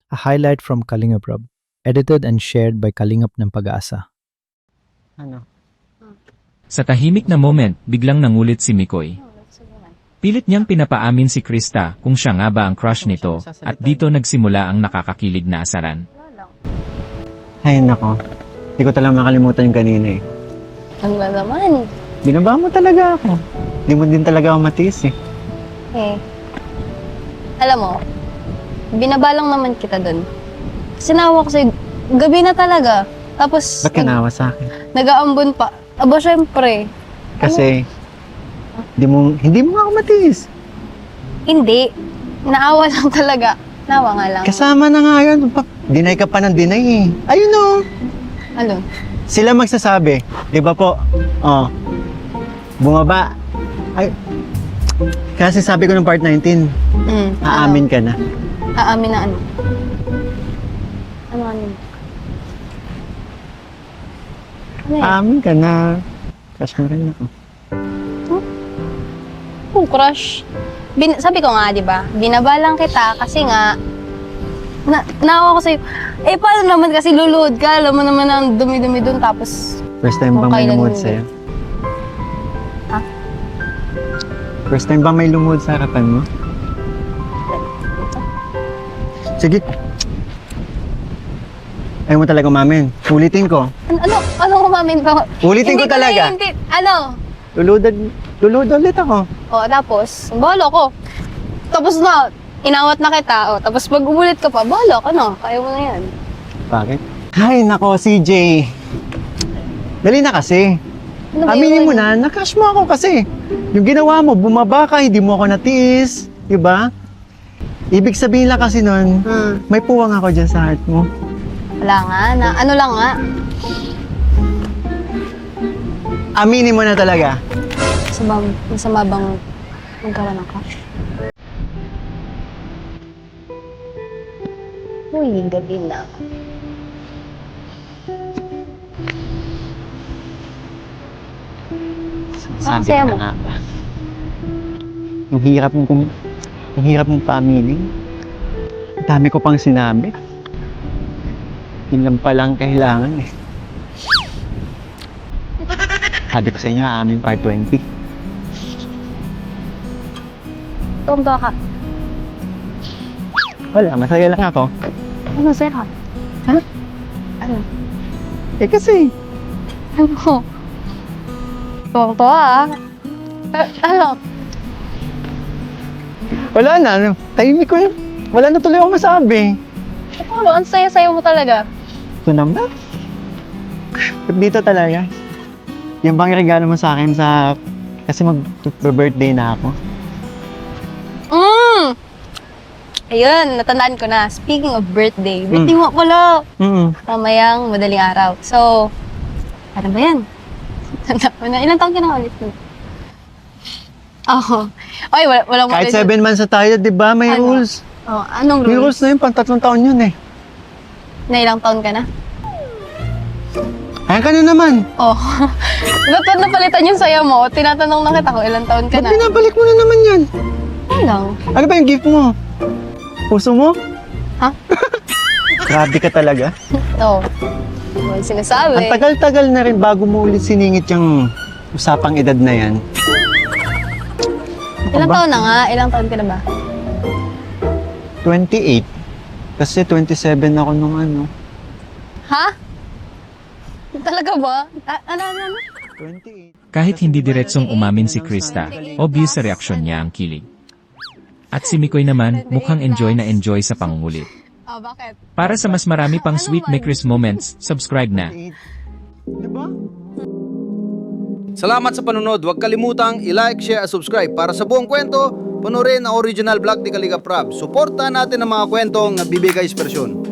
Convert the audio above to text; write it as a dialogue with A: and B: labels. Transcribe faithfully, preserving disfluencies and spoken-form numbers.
A: a highlight from Kalingap Rab, edited and shared by Kalingap ng Pag-asa.
B: Ano?
C: Sa tahimik na moment, biglang nangulit si Mikoy. Pilit niyang pinapaamin si Krista kung siya nga ba ang crush nito, at dito nagsimula ang nakakakilig na asaran.
B: Ay, nako. Hindi ko talaga makalimutan yung kanina eh.
D: Ano ba naman?
B: Binaba mo talaga ako. Hindi mo din talaga ako matiis eh.
D: Eh, alam mo, binaba lang naman kita dun. Kasi nawa ko sa'yo, gabi na talaga. Tapos,
B: Ba't kinawa sa akin?
D: nag-aambon pa. Aba, syempre.
B: Kasi, hindi mo, hindi mo nga ako matiis.
D: Hindi. Naawa lang talaga. Nawa nga lang.
B: Kasama na nga yun. Pa- Dinay ka pa ng dinay eh. Ayun o.
D: Ano?
B: Sila magsasabi. Di ba po? Oh. Bumaba. Ay. Kasi sabi ko ng part nineteen,
D: Mm,
B: aamin ka na.
D: Ano? Aamin na ano? Ano ano? Ano yan?
B: Aamin ka na. Crush mo rin ako.
D: Oh, crush. Bin sabi ko nga, di ba? Binaba lang kita kasi nga, na naawa ko sa'yo. Eh, paano naman kasi luluhod ka? Alam mo naman ang dumi-dumi dun, tapos,
B: First time ba
D: Kung
B: may
D: kailan
B: lumuhod
D: hindi.
B: sa'yo?
D: Ha?
B: First time ba may lumuhod sa harapan mo? Sige. Ayaw mo talaga umamin. Ulitin ko.
D: ano, ano, ano umamin pa?
B: Ulitin
D: Hindi
B: ko talaga.
D: na- hindi, ano?
B: Luludad, lulud ulit ako.
D: O, tapos, balo ko. Tapos na, inawat na kita. O, tapos pag umulit ka pa, balo ka na. Kaya mo na yan.
B: Bakit? Ay, nako, C J. Dali na kasi.
D: Ano ba
B: Aminin
D: yun?
B: mo na, na-crush mo ako kasi. Yung ginawa mo, bumaba ka, hindi mo ako natiis. Diba? Ibig sabihin lang kasi nun,
D: Hmm.
B: may puwang ako dyan sa heart mo.
D: Wala nga, na, ano lang nga.
B: Aminin mo na talaga.
D: Masama, masama bang magkaroon ng crush? Uy, gabi na.
B: Sabi
D: saya
B: ko
D: mo.
B: na nga ba? Yung hirap mong, kum- yung hirap mong paaminin. Ang dami ko pang sinabi. Yun lang palang kailangan eh. Sabi ko sa inyo, amin part twenty.
D: Tumba ka.
B: Wala, masaya lang ako.
D: Ano, sir? Ha? Ano?
B: Eh kasi,
D: Ano? Tuwang-tuwa ah. Eh, ano?
B: wala na. Ano, tahimik ko na. Wala na tuloy ako masabi.
D: Ano? Ang saya-saya mo talaga.
B: Ito naman. Dito talaga. Yung bang regalo mo sa akin sa... Kasi mag-birthday na ako.
D: Mm! Ayun, natandaan ko na. Speaking of birthday, birthday mo pala.
B: Mm.
D: Mamayang madaling araw. So, ano ba yan? Tanda ko na. Ilang taon ka na ulit nun? Oo. Oy, wala, walang
B: Kahit
D: matuloy-
B: seven months na tayo, di ba? May
D: Ano?
B: rules.
D: Oh, anong
B: May
D: rules?
B: rules na yun, pang tatlong taon yun eh.
D: Na ilang taon ka na?
B: Ayan ka na naman.
D: Oh. Ba't ba't napalitan yung saya mo? Tinatanong na kita kung ilang taon ka
B: Ba't
D: na.
B: binabalik mo na naman yan?
D: Ay lang.
B: Ano ba yung gift mo? Puso mo?
D: Ha?
B: Grabe ka talaga.
D: Oo. Oh. Ano sinasabi?
B: Ang tagal-tagal na rin bago mo ulit siningit yung usapang edad na yan.
D: Ilang
B: ba?
D: taon na nga? Ilang taon ka na ba?
B: twenty-eight. Kasi twenty-seven ako nung ano.
D: Ha? Talaga ba? A- ano, ano, ano?
B: twenty-eight.
C: Kahit hindi diretsong umamin si Krista, obvious sa reaksyon niya ang kilig. At si Mikoy naman, mukhang enjoy na enjoy sa pangungulit.
D: Ah, bakit?
C: Para sa mas marami pang sweet Mekris moments, subscribe na.
B: Diba?
E: Salamat sa panunod. Huwag kalimutang i-like, share at subscribe. Para sa buong kwento, panoorin ang original vlog ni Kalingap Rab. Suportahan natin ang mga kwentong nagbibigay inspirasyon.